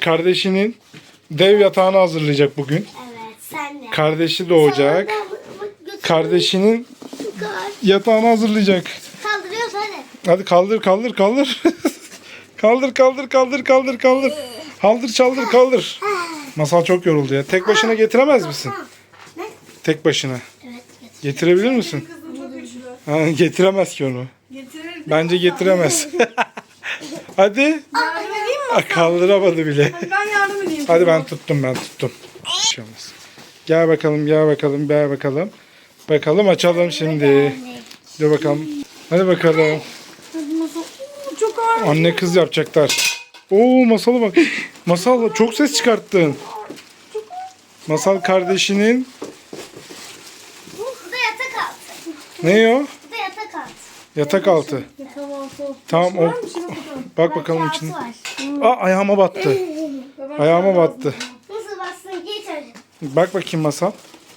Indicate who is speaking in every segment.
Speaker 1: kardeşinin dev yatağını hazırlayacak bugün.
Speaker 2: Evet, sen de.
Speaker 1: Kardeşi doğacak. Kardeşinin yatağını hazırlayacak.
Speaker 2: Kaldırıyoruz hadi.
Speaker 1: Hadi kaldır. kaldır kaldır. Kaldır. Masal çok yoruldu ya. Tek başına getiremez misin?
Speaker 2: Ne?
Speaker 1: Tek başına.
Speaker 2: Evet,
Speaker 1: Getirebilir misin?
Speaker 3: Kızım çok güçlü.
Speaker 1: Ha, getiremez ki onu.
Speaker 3: Getirir.
Speaker 1: Bence getiremez. Hadi.
Speaker 3: Yardım edeyim mi?
Speaker 1: Kaldıramadı bile.
Speaker 3: Hadi ben yardım edeyim.
Speaker 1: Hadi ben tuttum. Bir şey olmaz. Gel bakalım. Bakalım açalım şimdi. Dur bakalım. Hadi bakalım.
Speaker 3: Hadi Masal. Oo, çok ağır.
Speaker 1: Anne kız yapacaklar. Oo Masal'a bak. Masal çok ses çıkarttın. Masal kardeşinin
Speaker 2: Bu da yatak altı.
Speaker 1: ne o?
Speaker 2: Bu da yatak altı.
Speaker 1: Yatak altı.
Speaker 3: Tamam.
Speaker 1: Tamam o.
Speaker 3: Var mı? Şuna bakalım.
Speaker 1: Bak bakalım
Speaker 2: Kağıt
Speaker 1: içine.
Speaker 2: var.
Speaker 1: Aa ayağıma battı.
Speaker 3: Ben
Speaker 1: Ayağıma
Speaker 3: şuna
Speaker 1: battı.
Speaker 2: Nasıl bassın getir.
Speaker 1: Bak bakayım Masal.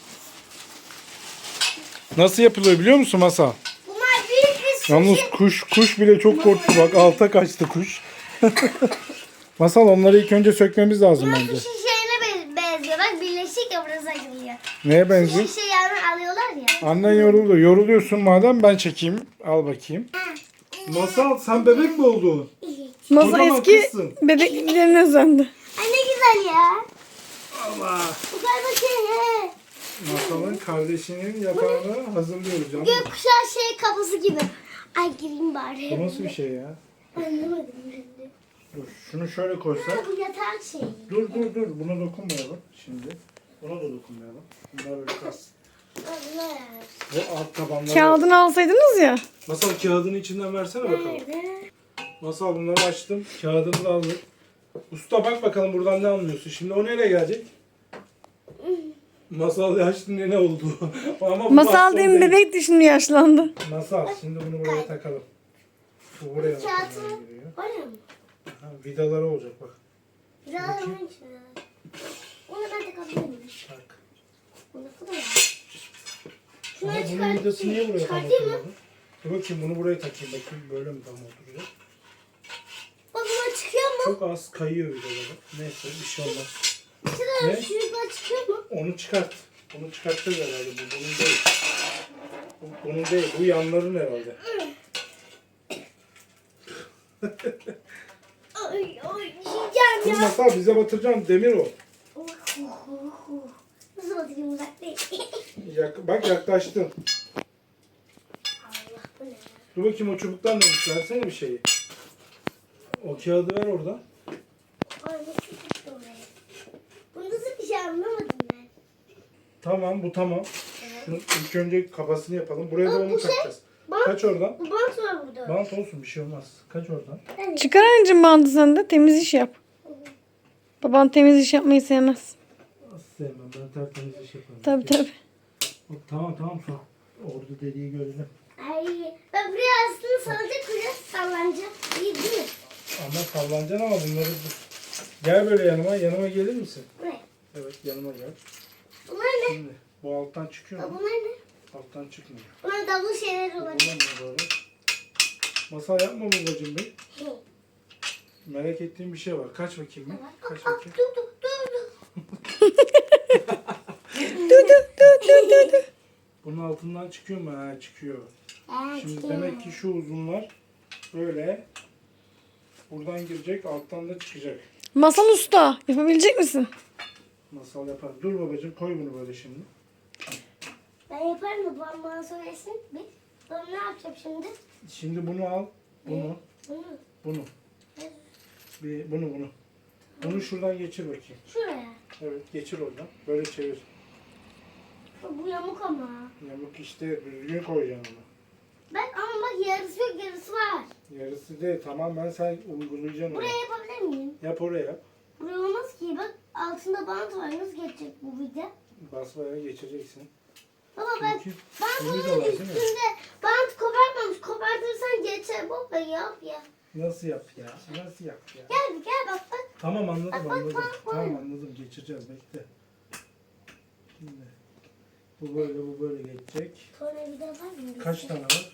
Speaker 1: Nasıl yapılıyor biliyor musun Masal?
Speaker 2: Bunlar büyük bir sushi.
Speaker 1: Yalnız kuş bile çok korktu. Bak alta kaçtı kuş. Masal onları ilk önce sökmemiz lazım
Speaker 2: Bunlar
Speaker 1: bence.
Speaker 2: sushi şeyine benziyor. Bak birleşik ya burası açılıyor.
Speaker 1: Neye benziyor?
Speaker 2: Sushi yani alıyorlar ya.
Speaker 1: Annen yoruldu. Yoruluyorsun madem ben çekeyim. Al bakayım. Masal sen bebek mi oldun?
Speaker 3: Masal
Speaker 1: Kocaman
Speaker 3: eski
Speaker 1: kızsın.
Speaker 3: bebekliklerine özendi.
Speaker 2: Ay ne güzel ya.
Speaker 1: Allah.
Speaker 2: Bu kadar bakayım.
Speaker 1: Masal'ın kardeşinin yatağını hazırlıyoruz canım.
Speaker 2: Gökkuşağı şey kafası gibi. Ay gireyim bari.
Speaker 1: Bu nasıl bir şey ya?
Speaker 2: Anlamadım şimdi.
Speaker 1: Dur şunu şöyle koysak.
Speaker 2: Bu yatak şey.
Speaker 1: Dur. Buna dokunmayalım şimdi. Buna da dokunmayalım. Bunlar böyle kalsın.
Speaker 2: Allah.
Speaker 1: Bu alt tabanları.
Speaker 3: Kağıdını alsaydınız ya.
Speaker 1: Masal kağıdını içinden versene bakalım.
Speaker 2: Nerede?
Speaker 1: Masal bunları açtım. Kağıdını da aldım. Usta bak bakalım buradan ne anlıyorsun. Şimdi o nereye gelecek? Masal açtı ne oldu? Ama bu
Speaker 3: Masal
Speaker 1: baston
Speaker 3: demin
Speaker 1: değil.
Speaker 3: bebekti şimdi yaşlandı.
Speaker 1: Masal şimdi bunu buraya takalım. Bu buraya
Speaker 2: Kağıtı
Speaker 1: takalım giriyor.
Speaker 2: oraya mı?
Speaker 1: Ha, vidaları olacak bak.
Speaker 2: Biraz önce. Onu ben de kapatayım.
Speaker 1: Tak.
Speaker 2: Bu ne kadar?
Speaker 1: Ama
Speaker 2: Şunları
Speaker 1: bunun vidası niye buraya tam
Speaker 2: çıkartayım mı?
Speaker 1: oturmadı? Dur bakayım bunu buraya takayım. Bakayım böyle mi tam oturacak?
Speaker 2: Bak bunlar çıkıyor mu?
Speaker 1: Çok az kayıyor vidaları. Neyse bir şey olmaz.
Speaker 2: Şurada
Speaker 1: Ne?
Speaker 2: şuradan çıkıyor mu?
Speaker 1: Onu çıkart. Onu çıkartacağız herhalde. Bu bunun değil. Bu bunun değil. Bu yanların herhalde.
Speaker 2: Ay yiyeceğim
Speaker 1: Dur
Speaker 2: ya.
Speaker 1: Masal bize batıracaksın. Demir o.
Speaker 2: Nasıl batırayım uzak değil.
Speaker 1: Bak yaklaştın.
Speaker 2: Allah bu ne?
Speaker 1: Dur bakayım o çubuktan neymiş. Versene bir şeyi. O kağıdı ver oradan.
Speaker 2: Ay nasıl çıktı oraya? Bunu nasıl bir şey anlamadım ben.
Speaker 1: Tamam bu tamam. Şunu ilk önce kafasını yapalım. Buraya da
Speaker 2: Bak,
Speaker 1: onu
Speaker 2: bu şey-
Speaker 1: takacağız.
Speaker 2: Bant,
Speaker 1: Kaç oradan.
Speaker 2: bu bant var burada.
Speaker 1: Bant olsun bir şey olmaz. Kaç oradan.
Speaker 3: Çıkar anneciğim bandı sen de temiz iş yap. Baban temiz iş yapmayı sevmez.
Speaker 1: Nasıl sevmem ben tertemiz iş yaparım.
Speaker 3: Tabii.
Speaker 1: Hop, tamam sok. Orada deliği görelim.
Speaker 2: Ay ben buraya aslında salacak buraya sallanacak. İyi değil mi?
Speaker 1: Ama sallanacaksın ama bunları... Gel böyle yanıma gelir misin?
Speaker 2: Ne?
Speaker 1: Evet yanıma gel.
Speaker 2: Bunlar ne?
Speaker 1: Şimdi bu alttan çıkıyor mu?
Speaker 2: Bunlar ne?
Speaker 1: Alttan çıkmıyor.
Speaker 2: Bunlar davul şeyler
Speaker 1: Bu
Speaker 2: olabilir.
Speaker 1: ne böyle? Masal yapma babacığım bey. Merak ettiğim bir şey var. Kaç bakayım mı? Kaç bakayım.
Speaker 2: Dur.
Speaker 1: Bunun altından çıkıyor mu? Ha çıkıyor. Şimdi demek ki şu uzunlar böyle buradan girecek, alttan da çıkacak.
Speaker 3: Masal usta yapabilecek misin?
Speaker 1: Masal yapar. Dur babacığım koy bunu böyle şimdi.
Speaker 2: Ben yaparım mı? Bana söylesin. Ben ne yapacağım şimdi?
Speaker 1: Şimdi bunu al. Bunu.
Speaker 2: Bunu.
Speaker 1: Bunu. Bunu. Bunu şuradan geçir bakayım.
Speaker 2: Şuraya.
Speaker 1: Evet geçir oradan. Böyle çevir.
Speaker 2: Bu yamuk ama.
Speaker 1: Yamuk işte düzgün koyacaksın onu.
Speaker 2: Bak ama bak yarısı yok yarısı var.
Speaker 1: Yarısı değil tamamen sen uygulayacaksın onu.
Speaker 2: Buraya yapabilir miyim?
Speaker 1: Yap oraya yap.
Speaker 2: Buraya olmaz ki bak altında bant var nasıl geçecek bu vida?
Speaker 1: Basmaya geçeceksin.
Speaker 2: Baba ben
Speaker 1: Çünkü
Speaker 2: bunun
Speaker 1: vidalar değil mi?
Speaker 2: üstünde bant kopartmamış. Kopartırsan geçer baba yap ya.
Speaker 1: Nasıl yap ya? Nasıl yap ya?
Speaker 2: Gel bak.
Speaker 1: Tamam anladım
Speaker 2: Bak,
Speaker 1: anladım.
Speaker 2: bak.
Speaker 1: Tamam anladım geçireceğiz bekle. Şimdi bu böyle geçecek.
Speaker 2: Sonra vida var mı?
Speaker 1: Kaç tane var?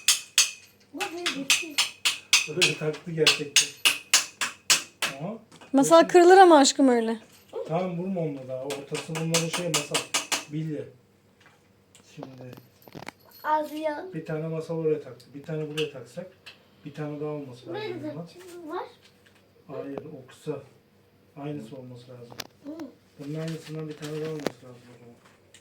Speaker 2: Bak böyle geçiyor.
Speaker 1: Böyle taktı gerçekten. Aha.
Speaker 3: Masal kırılır ama aşkım öyle.
Speaker 1: Tamam vurma onunla daha. Ortası bunların şey masal. Bilye. Şimdi
Speaker 2: Az ya.
Speaker 1: bir tane masal oraya taktı. Bir tane buraya taksak bir tane daha olması lazım.
Speaker 2: Böyle de
Speaker 1: bundan.
Speaker 2: çizgi var.
Speaker 1: Hayır o kısa. Aynısı olması lazım.
Speaker 2: Hı.
Speaker 1: Bunun aynısından bir tane daha olması lazım o zaman.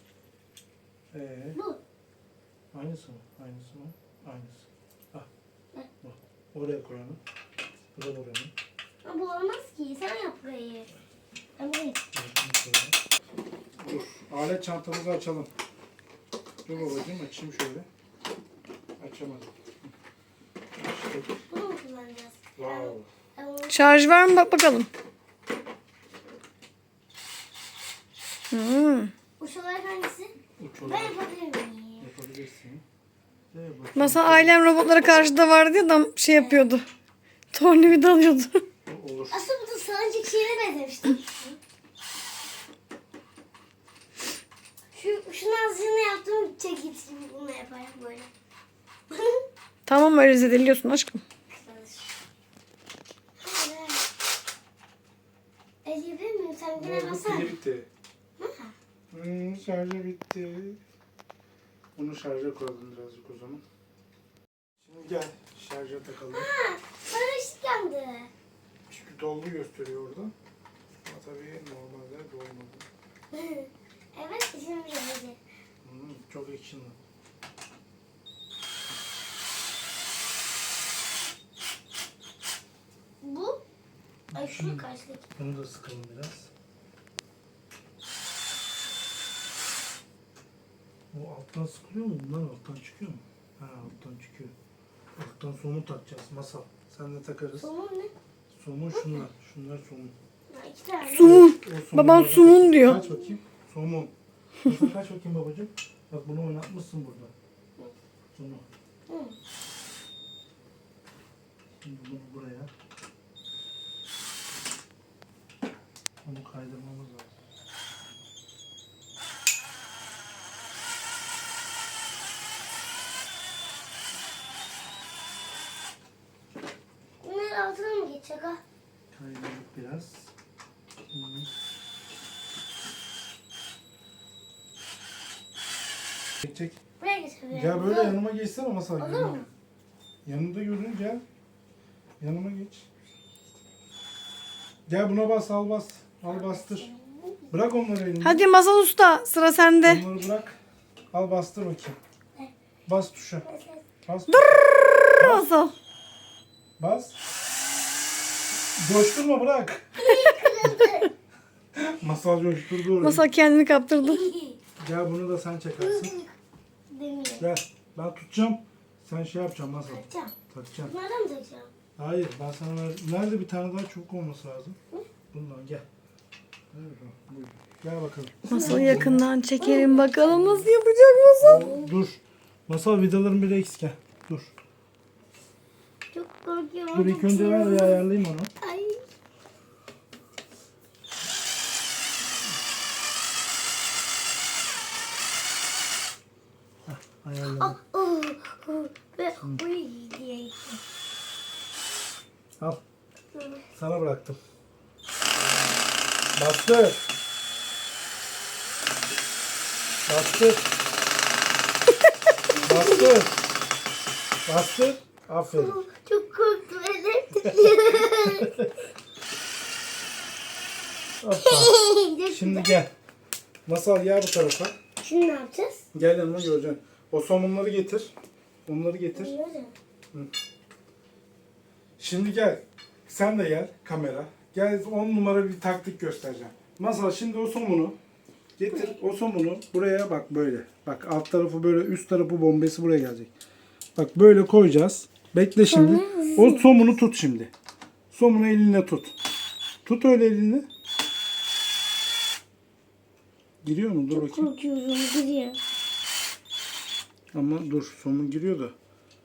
Speaker 2: Bu.
Speaker 1: Aynısı mı? Aynısı mı? Aynısı. Ah.
Speaker 2: Ne?
Speaker 1: Bu. Oraya koy onu. Bu da buranın.
Speaker 2: Ama bu olmaz ki. Sen yap burayı. Ben burayı.
Speaker 1: Dur. Alet çantamızı açalım. Dur babacığım açayım şöyle. Açamadım. Açtık.
Speaker 2: Bunu mu kullanacağız?
Speaker 1: Wow.
Speaker 2: Ben bunu-
Speaker 3: Şarj var mı? Bak bakalım. Hmm.
Speaker 2: Uç olarak hangisi?
Speaker 1: Uç
Speaker 2: Ben
Speaker 1: olarak
Speaker 2: yapabilir miyim?
Speaker 1: yapabilirsin. Bakayım.
Speaker 3: Masal ailem robotlara karşı da vardı ya da şey yapıyordu. Tornavida alıyordu.
Speaker 1: Olur.
Speaker 2: Aslında bu da salıncak şeyine benzemişti. Şunun azıcığını yaptım. Çekiç gibi bunu yaparım böyle.
Speaker 3: Tamam öyle zedeliyorsun aşkım.
Speaker 2: Elleyebilir miyim? Sen
Speaker 1: Bu
Speaker 2: gene basar.
Speaker 1: pili bitti. Şarjı bitti. Bunu şarja koyalım birazcık o zaman. Şimdi gel şarja takalım.
Speaker 2: Ha, sarı ışık yandı.
Speaker 1: Çünkü dolgu gösteriyor orada. Ama tabii normalde dolmadı.
Speaker 2: Evet, şimdi gelecek.
Speaker 1: Çok actionlı.
Speaker 2: Bu. Ay şu karşıdaki.
Speaker 1: Bunu da sıkalım biraz. O alttan sıkılıyor mu? Bunlar alttan çıkıyor mu? Ha alttan çıkıyor. Alttan somun takacağız. Masal. Sen de takarız.
Speaker 2: Somun ne?
Speaker 1: Somun şunlar. Şunlar somun.
Speaker 2: Ha, iki tane.
Speaker 3: Sumun.
Speaker 1: O
Speaker 3: Babam
Speaker 1: somunlardan-
Speaker 3: sumun diyor.
Speaker 1: Kaç bakayım. Somun. Masal kaç bakayım babacığım. Bak bunu oynatmışsın burada. Bunu.
Speaker 2: Hı.
Speaker 1: Şimdi bunu buraya. Onu kaydırmamız lazım.
Speaker 2: Bunlar altına mı geçecek ha?
Speaker 1: Kaydırdık biraz. Şimdi. Çek.
Speaker 2: Buraya geçelim.
Speaker 1: Gel böyle yanıma geçsene masal.
Speaker 2: Olur
Speaker 1: yanıma.
Speaker 2: mu?
Speaker 1: Yanında görün gel. Yanıma geç. Gel buna bas al bas. Al bastır. Bırak onları elini.
Speaker 3: Hadi Masal Usta sıra sende.
Speaker 1: Onları bırak. Al bastır bakayım. Bas tuşa. Bas.
Speaker 3: Masal.
Speaker 1: Bas. Coşturma bırak. Masal coşturdu orayı.
Speaker 3: Masal kendini kaptırdı.
Speaker 1: Gel bunu da sen çekersin.
Speaker 2: Demiyor.
Speaker 1: Gel. Ben tutacağım. Sen şey yapacaksın Masal.
Speaker 2: Takacağım.
Speaker 1: Takacaksın.
Speaker 2: Bunlardan mı takacağım?
Speaker 1: Hayır ben sana ver. Nerede bir tane daha çubuk olması lazım? Bundan gel. Evet, buyur. Gel bakalım.
Speaker 3: Masal yakından çekelim bakalım nasıl yapacak Masal.
Speaker 1: Dur. Masal vidaların biri eksik. Gel. Dur.
Speaker 2: Çok korkuyorum.
Speaker 1: Dur ilk önce ver bir ayarlayayım onu.
Speaker 2: Ay.
Speaker 1: Ayarladım.
Speaker 2: Ve uy diye.
Speaker 1: Al. Sana bıraktım. Bastır. Bastır. Bastır. Bastır. Aferin.
Speaker 2: Çok korktum. Elim
Speaker 1: Hoppa. Şimdi gel. Masal gel bu tarafa.
Speaker 2: Şimdi ne yapacağız?
Speaker 1: Gel yanıma göreceksin. O somunları getir. Onları getir.
Speaker 2: Bilmiyorum.
Speaker 1: Şimdi gel. Sen de gel kamera. Gel 10 numara bir taktik göstereceğim. Masal şimdi o somunu getir. O somunu buraya bak böyle. Bak alt tarafı böyle üst tarafı bombesi buraya gelecek. Bak böyle koyacağız. Bekle şimdi. O somunu tut şimdi. Somunu elinle tut. Tut öyle elinle. Giriyor mu? Dur bakayım.
Speaker 2: Korkuyorum. Gidiyor.
Speaker 1: Ama dur somun giriyor da.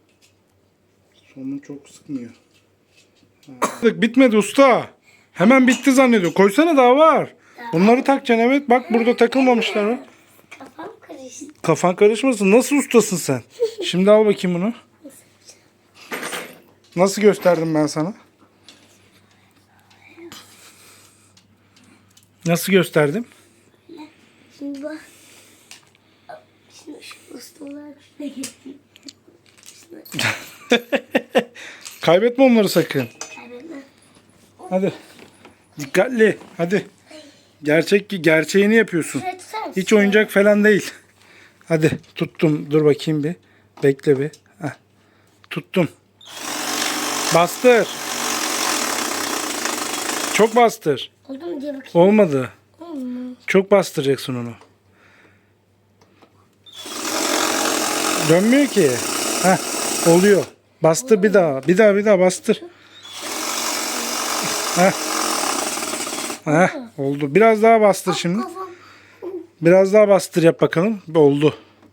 Speaker 1: Somun çok sıkmıyor. Bitmedi usta. Hemen bitti zannediyor. Koysana daha var. Bunları takacaksın evet. Bak burada takılmamışlar mı?
Speaker 2: Kafam karıştı.
Speaker 1: Kafan karışmasın. Nasıl ustasın sen? Şimdi al bakayım bunu. Nasıl gösterdim ben sana? Nasıl gösterdim?
Speaker 2: Şimdi bak. Şimdi şu ustalar şuraya getireyim.
Speaker 1: Kaybetme onları sakın.
Speaker 2: Kaybetme.
Speaker 1: Hadi. Dikkatli. Hadi. Gerçeğini yapıyorsun.
Speaker 2: Şuraya tutar mısın?
Speaker 1: Hiç oyuncak falan değil. Hadi tuttum. Dur bakayım bir. Bekle bir. Heh. Tuttum. Bastır. Çok bastır.
Speaker 2: Oldu mu diye bakayım.
Speaker 1: Olmadı.
Speaker 2: Oldu.
Speaker 1: Çok bastıracaksın onu. Dönmüyor ki. Heh. Oluyor. Bastır bir daha. Bir daha bastır. Heh. Heh. Oldu. Biraz daha bastır şimdi.
Speaker 2: Kafam.
Speaker 1: Biraz daha bastır yap bakalım. Oldu.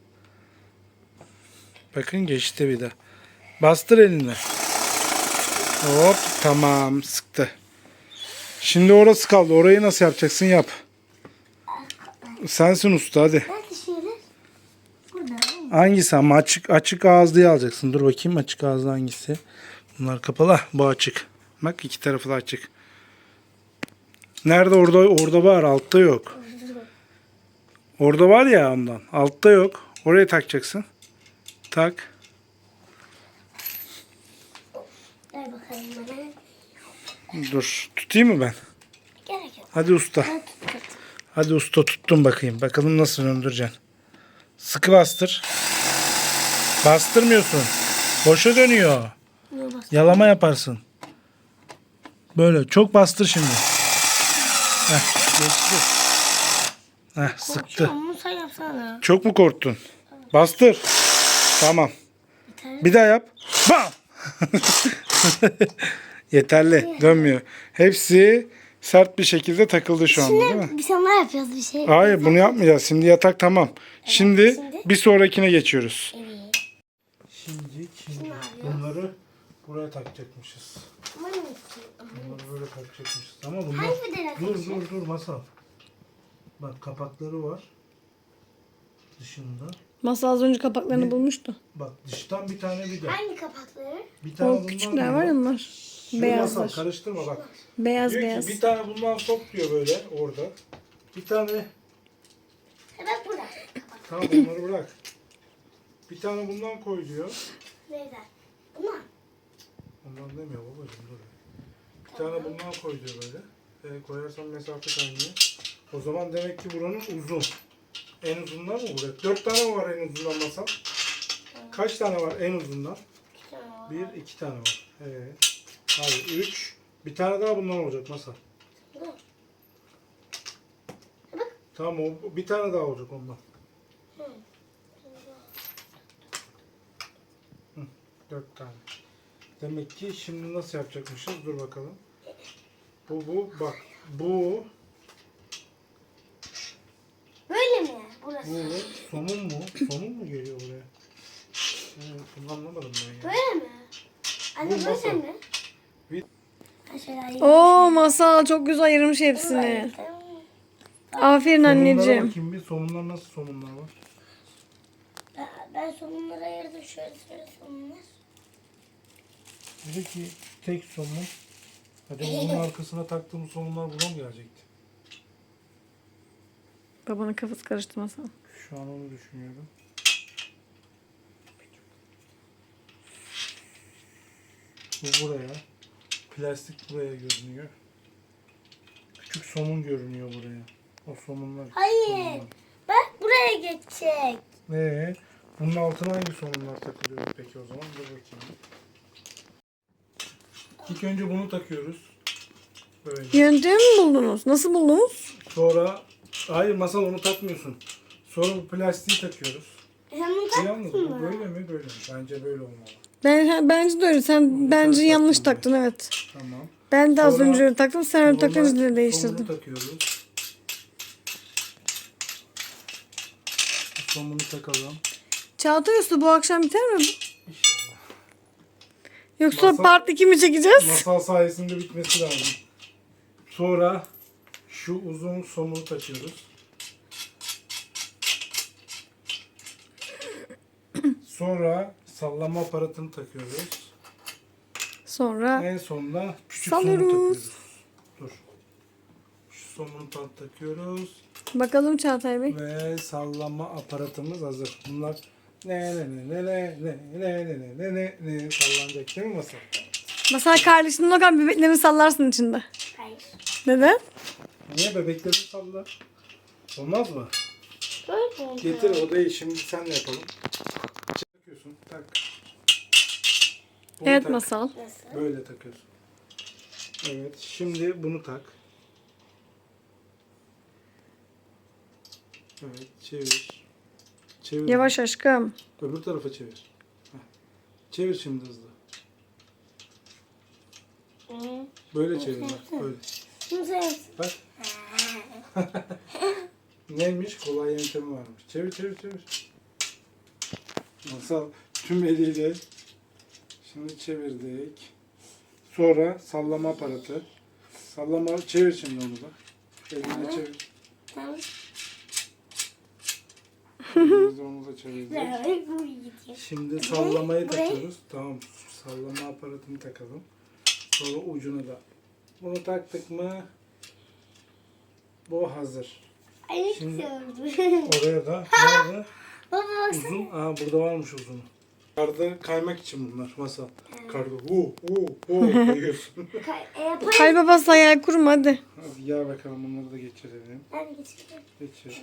Speaker 1: Bakın geçti bir daha. Bastır eline. Hop tamam sıktı. Şimdi orası kaldı. Orayı nasıl yapacaksın yap. Sensin usta hadi.
Speaker 2: Nerede şeyler? Burada.
Speaker 1: Hangisi ama açık ağızlıyı alacaksın. Dur bakayım açık ağızlı hangisi. Bunlar kapalı. Ah, bu açık. Bak iki tarafı da açık. Nerede orada var altta yok. Orada var ya ondan. Altta yok. Oraya takacaksın. Tak.
Speaker 2: Ver bakalım bana.
Speaker 1: Dur. Tutayım mı ben?
Speaker 2: Gerek yok.
Speaker 1: Hadi usta.
Speaker 2: Ben tut.
Speaker 1: Hadi usta tuttum bakayım. Bakalım nasıl döndüreceksin. Sıkı bastır. Bastırmıyorsun. Boşa dönüyor.
Speaker 2: Niye bastın?
Speaker 1: Yalama yaparsın. Böyle çok bastır şimdi. Heh, geçti. Heh, sıktı.
Speaker 2: Korkuyorum, bunu sen yapsana.
Speaker 1: Çok mu korktun? Bastır. Tamam. Bir daha yap. Bam! Yeterli. Dönmüyor. Hepsi sert bir şekilde takıldı şu anda değil mi?
Speaker 2: Şimdi biz onlar yapıyoruz bir şey.
Speaker 1: Hayır bunu yapmayacağız. Şimdi yatak tamam. Şimdi bir sonrakine geçiyoruz.
Speaker 2: Evet.
Speaker 1: Şimdi bunları buraya takacakmışız.
Speaker 2: Aman olsun.
Speaker 1: Bunları böyle takacakmışız. Ama bunlar...
Speaker 2: Hangi bedel
Speaker 1: Dur masal. Bak kapakları var. Dışında.
Speaker 3: Masal az önce kapaklarını bulmuştu.
Speaker 1: Bak dıştan bir tane vida.
Speaker 2: Hangi kapakları?
Speaker 1: Bir tane
Speaker 3: O
Speaker 1: bundan
Speaker 3: küçükler
Speaker 1: vida.
Speaker 3: var ya onlar.
Speaker 1: Şu masal
Speaker 3: Beyazlar.
Speaker 1: karıştırma bak.
Speaker 3: Beyaz
Speaker 1: Diyor
Speaker 3: beyaz.
Speaker 1: ki bir tane bundan sok diyor böyle orada. Bir tane
Speaker 2: Bak burada.
Speaker 1: tamam onları bırak. Bir tane bundan koy diyor.
Speaker 2: Neyden? Bunlar.
Speaker 1: Ondan demiyor babacığım dur. Bir tane bundan koy diyor böyle. Koyarsan mesafe kaynıyor. O zaman demek ki buranın uzun. En uzundan mı buraya? 4 tane mi var en uzundan masal? Kaç tane var en uzundan? 1, 2 tane var. Hayır 3. Bir tane daha bundan olacak masal. Tamam o bir tane daha olacak ondan. 4 tane. Demek ki şimdi nasıl yapacakmışız? Dur bakalım. Bu bak. Bu
Speaker 2: Böyle mi? Burası.
Speaker 1: somun mu? Somun mu geliyor buraya? Bunu anlamadım ben ya.
Speaker 2: Böyle mi? Anne
Speaker 1: Bu
Speaker 2: böyle
Speaker 1: masa.
Speaker 2: mi?
Speaker 1: Bir-
Speaker 2: Ha, şöyle ayırayım.
Speaker 3: Oo Masal çok güzel ayırmış hepsini. Aferin
Speaker 1: Somunlara
Speaker 3: anneciğim.
Speaker 1: bakayım bir. Somunlar nasıl somunlar var?
Speaker 2: Ben somunları ayırdım. Şöyle somunlar.
Speaker 1: Dedi ki tek somun. Hadi bunun arkasına taktığımız somunlar buna mı gelecekti?
Speaker 3: Babanın kafası karıştı Masal.
Speaker 1: Şu an onu düşünüyorum. Bu buraya. Plastik buraya görünüyor. Küçük somun görünüyor buraya. O somunlar.
Speaker 2: Hayır.
Speaker 1: somunlar.
Speaker 2: Bak buraya geçecek.
Speaker 1: Bunun altına hangi somunlar takılıyor peki o zaman? Dur bakayım. İlk önce bunu takıyoruz. Böyle.
Speaker 3: Yöntemi mi buldunuz? Nasıl buldunuz?
Speaker 1: Sonra hayır masal onu takmıyorsun. Sonra bu plastiği takıyoruz.
Speaker 2: Sen bunu
Speaker 1: Yalnız
Speaker 2: taktın
Speaker 1: bu
Speaker 2: mı?
Speaker 1: böyle mi? Böyle mi? Bence böyle olmalı.
Speaker 3: Bence de öyle. Sen bence
Speaker 1: taktım
Speaker 3: yanlış
Speaker 1: ben.
Speaker 3: taktın evet.
Speaker 1: Tamam.
Speaker 3: Ben de az
Speaker 1: Sonra
Speaker 3: önce öyle taktım. Sen öyle
Speaker 1: Sonra
Speaker 3: takınca da
Speaker 1: somunu
Speaker 3: değiştirdim.
Speaker 1: takıyoruz. Somunu takalım.
Speaker 3: Çağatay Usta bu akşam biter mi bu?
Speaker 1: İnşallah.
Speaker 3: Yoksa
Speaker 1: Masal-
Speaker 3: part 2 mi çekeceğiz?
Speaker 1: Masal sayesinde bitmesi lazım. Sonra şu uzun somunu takıyoruz. Sonra sallama aparatını takıyoruz.
Speaker 3: Sonra
Speaker 1: En sonunda küçük somunu
Speaker 3: Salıyoruz.
Speaker 1: takıyoruz. Dur. Şu somunu takıyoruz.
Speaker 3: Bakalım Çağatay Bey.
Speaker 1: Ve sallama aparatımız hazır. Bunlar ne sallanacak değil mi Masal?
Speaker 3: Masal kardeşinin o kadar bebeklerini sallarsın içinde.
Speaker 2: Hayır.
Speaker 3: Neden?
Speaker 1: Niye bebekleri salla? Olmaz mı?
Speaker 2: Böyle mi?
Speaker 1: Getir odayı şimdi senle yapalım. Takıyorsun. Tak. Bunu
Speaker 3: Evet
Speaker 1: tak.
Speaker 3: Masal.
Speaker 2: Nasıl?
Speaker 1: Böyle takıyorsun. Evet. Şimdi bunu tak. Evet. Çevir. Çevir.
Speaker 3: Yavaş aşkım.
Speaker 1: Öbür tarafa çevir. Heh. Çevir şimdi hızlı.
Speaker 2: Hı.
Speaker 1: Böyle çevir bak. Böyle.
Speaker 2: Şimdi sen.
Speaker 1: Bak. Neymiş? Kolay yöntemi varmış. Çevir çevir çevir. Masal tüm eliyle. Şimdi çevirdik. Sonra sallama aparatı. Sallama çevir şimdi onu da. Elinle çevir.
Speaker 2: Tamam.
Speaker 1: Biz onu da çevirdik.
Speaker 2: Böyle buraya gidiyor.
Speaker 1: Şimdi sallamayı
Speaker 2: Burayı-
Speaker 1: takıyoruz. Tamam. Sallama aparatını takalım. Sonra ucuna da. Bunu taktık mı bu hazır.
Speaker 2: Ay ne
Speaker 1: Şimdi-
Speaker 2: güzel oldu.
Speaker 1: Oraya da nerede?
Speaker 2: Baba baksana.
Speaker 1: Uzun. Aa burada varmış uzunu. Karda kaymak için bunlar masal. Karda kayıyorsun.
Speaker 2: Yapayım.
Speaker 3: Hay babası hayal kurma hadi.
Speaker 1: Hadi ya bakalım bunları da geçirelim.
Speaker 2: Ben geçireceğim.
Speaker 1: Geçir.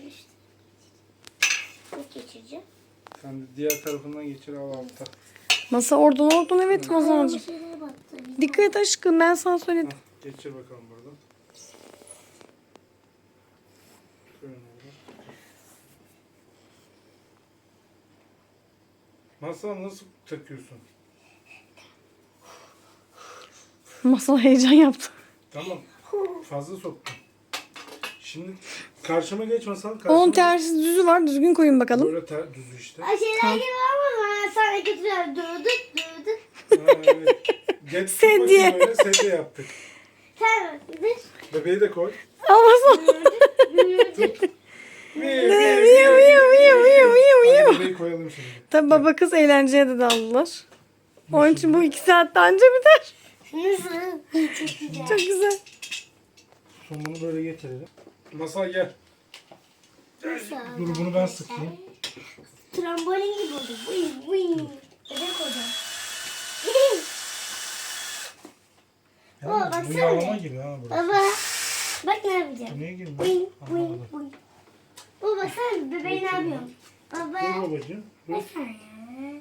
Speaker 2: Nasıl geçireceğim?
Speaker 1: Sen de diğer tarafından geçir al altta.
Speaker 3: Masa oradan evet
Speaker 2: Ayağıma
Speaker 3: Masalcığım.
Speaker 2: şeylere battı.
Speaker 3: Dikkat et aşkım ben sana söyledim.
Speaker 1: Al, geçir bakalım buradan. Şöyle oldu. Masal nasıl takıyorsun?
Speaker 3: Masal heyecan yaptı.
Speaker 1: Tamam. Fazla soktum. Şimdi karşıma geç Masal. Karşıma
Speaker 3: Onun
Speaker 1: geç.
Speaker 3: tersi düzü var. Düzgün koyun bakalım.
Speaker 1: Böyle düz işte.
Speaker 2: Ay şeyler gibi ama ben sana götürüyorum. Durduk durduk.
Speaker 1: Ha, evet. Geç
Speaker 3: Sedye.
Speaker 1: Böyle sedye yaptık.
Speaker 2: Sen dur.
Speaker 1: Bebeği de koy.
Speaker 3: Ama Masal.
Speaker 1: Hadi bebeği koyalım şimdi.
Speaker 3: Tabi baba kız eğlenceye de daldılar. Onun için bu 2 saatte anca biter.
Speaker 2: Nasıl? Çok güzel.
Speaker 3: Çok güzel.
Speaker 1: Somunu böyle getirelim. Masal gel.
Speaker 2: Nasıl?
Speaker 1: Dur bunu ben sıkayım.
Speaker 2: Trambolin gibi oldu. Buyum buyum. Bebek hocam. Baba,
Speaker 1: Ya, bu
Speaker 2: baksana.
Speaker 1: yağlama gibi ha burası.
Speaker 2: Baba. Bak ne yapacağım.
Speaker 1: Bu niye girmiyor?
Speaker 2: Buyum buyum
Speaker 1: Anlamadım.
Speaker 2: buyum. Baba baksana bebeği ne yapıyorum?
Speaker 1: Dur
Speaker 2: Baba.
Speaker 1: babacığım. Dur.
Speaker 2: Baksana ya.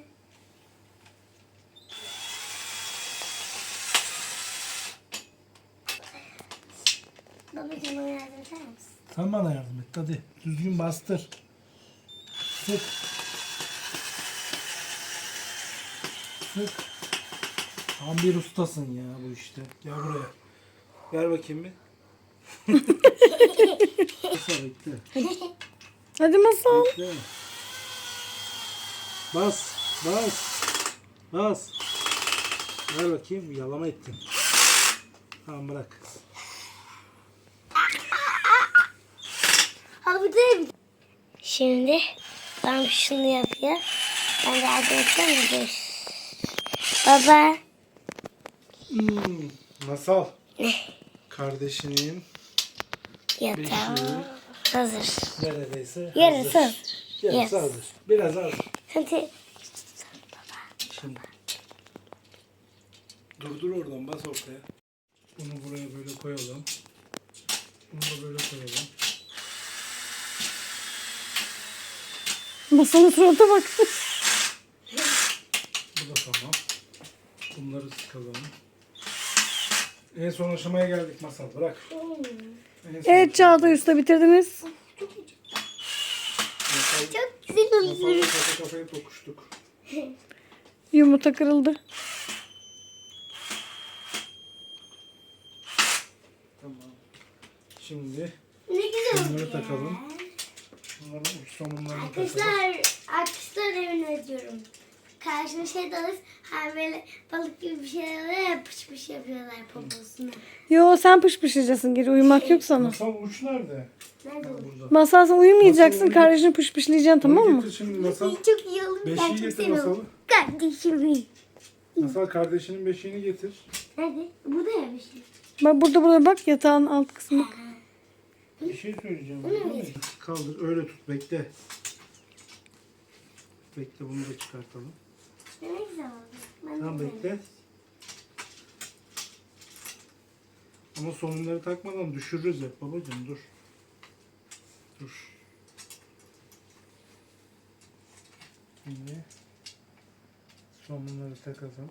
Speaker 2: Babacığım bana yardım eder misin?
Speaker 1: Sen bana yardım et hadi. Düzgün bastır. Sık. Sık. Tam bir ustasın ya bu işte. Gel buraya. Ver bakayım bir. Masal bekle.
Speaker 3: Hadi Masal.
Speaker 1: Bekle. Bas. Bas. Bas. Ver bakayım. Yalama ettin. Tamam bırak.
Speaker 2: Abi değil. Şimdi ben şunu yapayım. Ben de yardım etsem mi? Baba.
Speaker 1: Masal. Kardeşinin
Speaker 2: Yatağı
Speaker 1: beşiği
Speaker 2: hazır.
Speaker 1: neredeyse
Speaker 2: Yarısı
Speaker 1: hazır.
Speaker 2: hazır.
Speaker 1: Yarısı
Speaker 2: Yes.
Speaker 1: hazır. Biraz hazır.
Speaker 2: Hadi.
Speaker 1: Şimdi. Dur oradan bas ortaya. Bunu buraya böyle koyalım. Bunu da böyle koyalım.
Speaker 3: Masalın surata bak.
Speaker 1: Bu da tamam. Bunları sıkalım. En son aşamaya geldik Masal. Bırak. En son
Speaker 3: Evet Çağatay Usta bitirdiniz.
Speaker 1: Masal,
Speaker 2: Çok güzel oldu.
Speaker 1: Masal'la kafa kafaya tokuştuk.
Speaker 3: Yumurta kırıldı.
Speaker 1: Tamam. Şimdi
Speaker 2: Ne güzel oldu
Speaker 1: bunları
Speaker 2: ya.
Speaker 1: takalım. Bunların uç somunlarını takalım.
Speaker 2: Arkadaşlar evine diyorum. Karşına şey de alır. Hani böyle balık gibi bir şey alır ya pış pış yapıyorlar poposuna.
Speaker 3: Yo sen pışpışlayacaksın geri uyumak yok sana.
Speaker 1: Masal uç nerede?
Speaker 2: Nerede
Speaker 1: Ha,
Speaker 2: o?
Speaker 1: burada.
Speaker 3: Masal sen uyumayacaksın
Speaker 1: Masal
Speaker 3: kardeşini pışpışlayacaksın tamam
Speaker 1: Bunu
Speaker 3: mı?
Speaker 1: getir şimdi Masal.
Speaker 2: Çok iyi olur.
Speaker 1: Beşiği
Speaker 2: Ben çok
Speaker 1: getir
Speaker 2: seviyorum.
Speaker 1: Masal'ı.
Speaker 2: Kardeşimi.
Speaker 1: Masal kardeşinin beşiğini getir.
Speaker 2: Nerede? Burada ya bir şey.
Speaker 3: Bak burada bak yatağın alt kısmı.
Speaker 1: Bir şey söyleyeceğim.
Speaker 2: Onu
Speaker 1: Kaldır öyle tut bekle. Bekle bunu da çıkartalım.
Speaker 2: Ne güzel oldu. Ben
Speaker 1: Tamam
Speaker 2: de
Speaker 1: bekle. Ama somunları takmadan düşürürüz hep babacığım dur. Dur. Şimdi somunları takalım.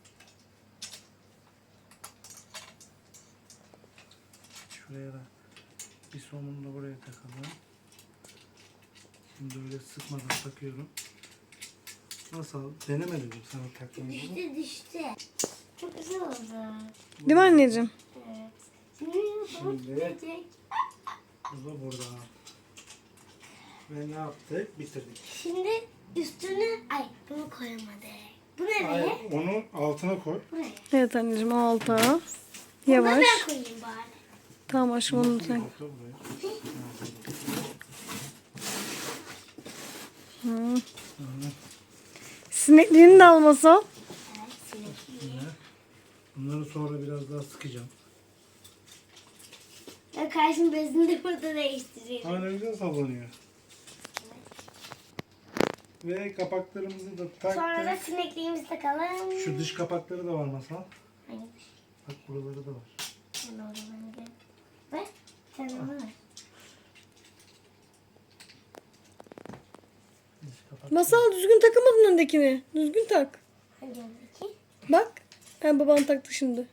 Speaker 1: Şuraya da bir somunu da buraya takalım. Şimdi öyle sıkmadan takıyorum. Nasıl? Denemedim sana takmayı.
Speaker 2: Düştü düştü. Çok güzel oldu.
Speaker 3: Değil mi anneciğim?
Speaker 2: Evet. Şimdi bu
Speaker 1: Şimdi-
Speaker 2: gidecek.
Speaker 1: Bu da burada. Ve ne yaptık? Bitirdik.
Speaker 2: Şimdi üstüne ay bunu koyamadık. Bu nereye?
Speaker 1: Hayır, onu altına koy.
Speaker 2: Buraya.
Speaker 3: Evet anneciğim o alta.
Speaker 2: Bunu da
Speaker 3: Yavaş.
Speaker 2: ben koyayım bari.
Speaker 3: Tamam aşkım onu sen.
Speaker 1: Otur buraya.
Speaker 3: Hı. Sinekliğini de almasa.
Speaker 2: Evet, sinekli.
Speaker 1: Bunları sonra biraz daha sıkacağım.
Speaker 2: Ben karşım bezini de burada değiştireyim.
Speaker 1: Aa, ne güzel sallanıyor. Ve kapaklarımızı da
Speaker 2: Sonra da
Speaker 1: taktık.
Speaker 2: sinekliğimizi takalım.
Speaker 1: Şu dış kapakları da var Masal.
Speaker 2: Hangisi?
Speaker 1: Bak buraları da var.
Speaker 2: Ben oradan gidelim. Ve sen onu ver.
Speaker 1: Dış kapak.
Speaker 3: Masal düzgün takamadın öndekini. Düzgün tak.
Speaker 2: Hangi öndeki?
Speaker 3: Bak. Ben baban taktı şimdi.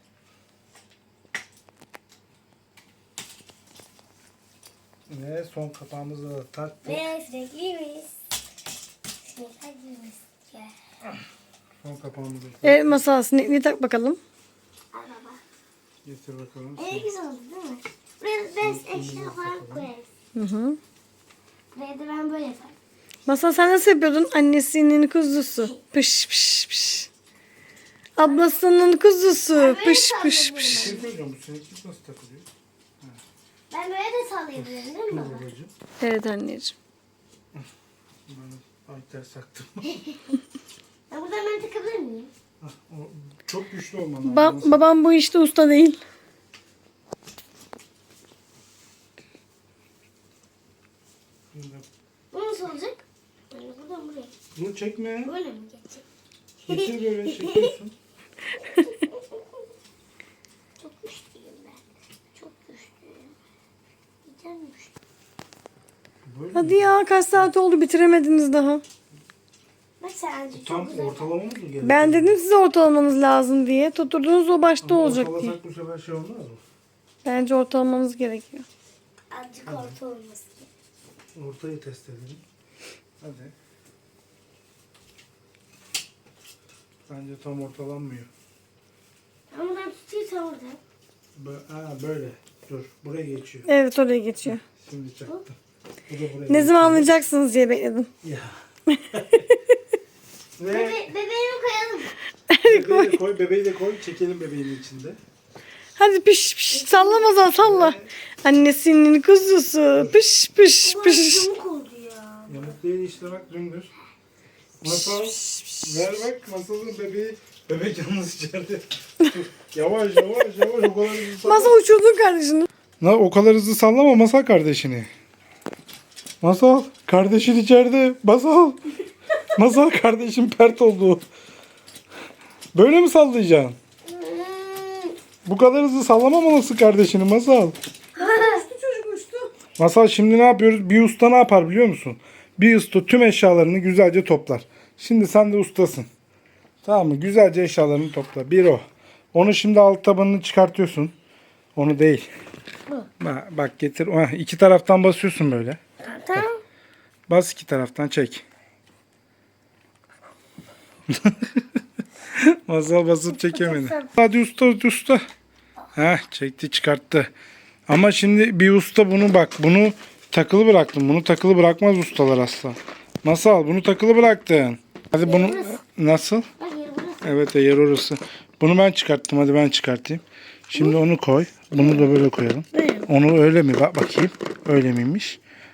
Speaker 1: Ve son kapağımızı da taktık.
Speaker 2: Ve sinekliğimiz. Sinekliğimiz. Gel.
Speaker 1: Son kapağımızı da taktık.
Speaker 3: Evet Masal sinekliği tak bakalım.
Speaker 2: Al baba.
Speaker 1: Getir bakalım.
Speaker 2: Güzel oldu değil mi? Buraya ben eşya falan koyarız.
Speaker 3: Hı hı.
Speaker 2: Buraya da ben böyle yaparım.
Speaker 3: Masal sen nasıl yapıyordun? Annesinin kuzusu. Pış pış pış. Ablasının kuzusu. Pış pış
Speaker 1: Bir
Speaker 3: pış.
Speaker 1: şey söyleyeceğim. Bu sineklik nasıl takılıyor?
Speaker 2: Ben böyle de sallayabilirim değil mi
Speaker 1: Dur
Speaker 2: baba?
Speaker 1: babacığım.
Speaker 3: Evet anneciğim.
Speaker 1: Ben ay ters taktım.
Speaker 2: Ben buradan ben takabilir miyim?
Speaker 1: Hah, o çok güçlü olman lazım.
Speaker 3: Babam bu işte usta değil.
Speaker 1: Şimdi
Speaker 2: Bu nasıl olacak? Böyle buradan buraya.
Speaker 1: bunu çekme.
Speaker 2: Böyle mi geçecek?
Speaker 1: Getir böyle çekiyorsun.
Speaker 2: Çok güçlüyüm ben. Çok güçlüyüm. Güzelmiş.
Speaker 1: Böyle
Speaker 3: Hadi ya kaç saat oldu bitiremediniz daha.
Speaker 2: Bak sen azıcık
Speaker 1: Tam
Speaker 2: çok güzel.
Speaker 1: ortalamamız mı gerekiyor?
Speaker 3: Ben dedim size ortalamanız lazım diye. Tutturdunuz o başta
Speaker 1: Ama
Speaker 3: olacak diye.
Speaker 1: ortalasak bu sefer şey olmaz mı?
Speaker 3: Bence ortalamanız gerekiyor.
Speaker 2: Azıcık orta olması.
Speaker 1: Ortayı test edelim. Hadi. Bence tam ortalanmıyor.
Speaker 2: Ben buradan tutuyorsam oradan.
Speaker 1: Böyle. Dur. Buraya geçiyor.
Speaker 3: Evet oraya geçiyor.
Speaker 1: Şimdi çaktım. Bu da buraya
Speaker 3: Ne
Speaker 1: geçiyor.
Speaker 3: zaman anlayacaksınız diye bekledim.
Speaker 1: Ya. Ve
Speaker 2: Bebeğimi koyalım.
Speaker 1: bebeği de koy. Bebeği de koy. Çekelim bebeğin içinde.
Speaker 3: Hadi piş piş sallamadan salla. Annesinin kuzusu. Piş piş
Speaker 2: Ulan
Speaker 3: piş.
Speaker 2: yamuk oldu ya.
Speaker 1: Yamuk değil işte bak dümdüz. Masal. Ver bak masalın bebeği. Bebek yalnız içeride. Dur. Yavaş yavaş yavaş o kadar hızlı sallama.
Speaker 3: Masa uçurdun kardeşini.
Speaker 1: O kadar hızlı sallama Masal kardeşini. Masal kardeşin içeride. Masal. Masal kardeşim pert oldu. Böyle mi sallayacaksın? Bu kadar hızlı sallamamalısın kardeşini Masal.
Speaker 3: Çocuk uçtu.
Speaker 1: Masal şimdi ne yapıyoruz? Bir usta ne yapar biliyor musun? Bir usta tüm eşyalarını güzelce toplar. Şimdi sen de ustasın. Tamam mı? Güzelce eşyalarını topla. Bir o. Onu şimdi alt tabanını çıkartıyorsun. Onu değil. Bak getir. İki taraftan basıyorsun böyle.
Speaker 2: Tamam.
Speaker 1: Bas iki taraftan çek. Masal basıp çekemedi. Hadi usta. Heh, çekti çıkarttı. Ama şimdi bir usta bunu takılı bıraktım. Bunu takılı bırakmaz ustalar asla. Masal bunu takılı bıraktın. Hadi bunu nasıl?
Speaker 2: Bak yeri burası.
Speaker 1: Evet yer orası. Bunu ben çıkarttım. Hadi ben çıkartayım. Şimdi onu koy. Bunu da böyle koyalım. Onu öyle mi? Bak bakayım. Öyle miymiş?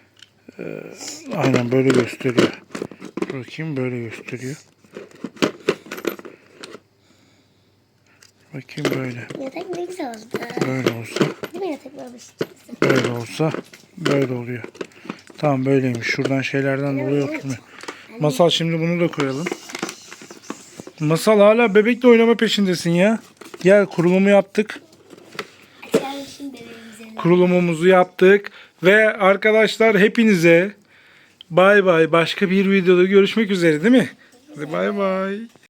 Speaker 1: Aynen böyle gösteriyor. Bakayım böyle gösteriyor. Bakayım böyle.
Speaker 2: Yatak ne güzel oldu.
Speaker 1: Böyle olsa.
Speaker 2: Değil mi yatak olmuş?
Speaker 1: Böyle olsa. Böyle oluyor. Tamam böyleymiş. Şuradan şeylerden dolayı oturmuyor. Masal şimdi bunu da koyalım. Masal hala bebekle oynama peşindesin ya. Gel kurulumu yaptık.
Speaker 2: Açalım şimdi bebeğimize.
Speaker 1: Kurulumumuzu yaptık. Ve arkadaşlar hepinize bay bay. Başka bir videoda görüşmek üzere değil mi? Hadi bay bay.